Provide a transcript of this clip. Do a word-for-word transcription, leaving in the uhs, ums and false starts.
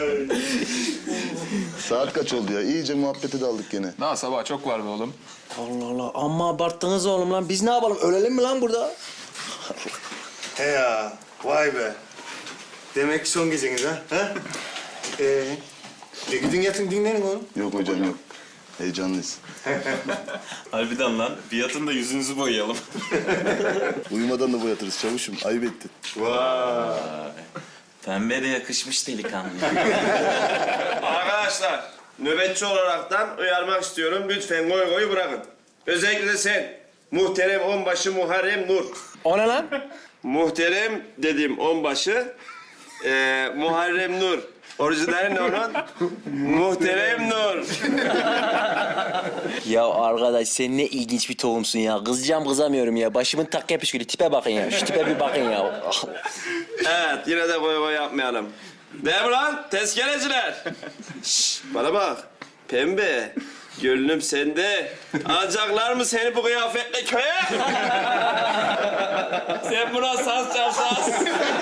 Saat kaç oldu ya? İyice muhabbete daldık gene. Daha sabah çok var be oğlum. Allah Allah, amma abarttınız oğlum lan. Biz ne yapalım, ölelim mi lan burada? He ya, vay be. Demek ki son geceniz ha? ha? Ee, e gidin yatın dinlenin oğlum. Yok hocam yok. Heyecanlıyız. Harbiden lan. Bir yatın da yüzünüzü boyayalım. Uyumadan da boyatırız çavuşum. Ayıp ettin. Vay. Pembe de yakışmış delikanlı. Arkadaşlar, nöbetçi olaraktan uyarmak istiyorum. Lütfen goy goyu bırakın. Özellikle de sen, muhterem onbaşı Muharrem Nur. O ne lan? Muhterem dediğim onbaşı, e, Muharrem Nur. Orijinali ne onun? Muhterem Nur. Ya arkadaş, sen ne ilginç bir tohumsun ya. Kızacağım kızamıyorum ya. Başımın tak yapışkülü. Tipe bakın ya. Şu tipe bir bakın ya. Evet, yine de goy goy yapmayalım. Değil mi lan tezkereciler? Şşş, bana bak. Pembe, gönlüm sende. Alacaklar mı seni bu kıyafetle köye? Sen buna saz çal saz.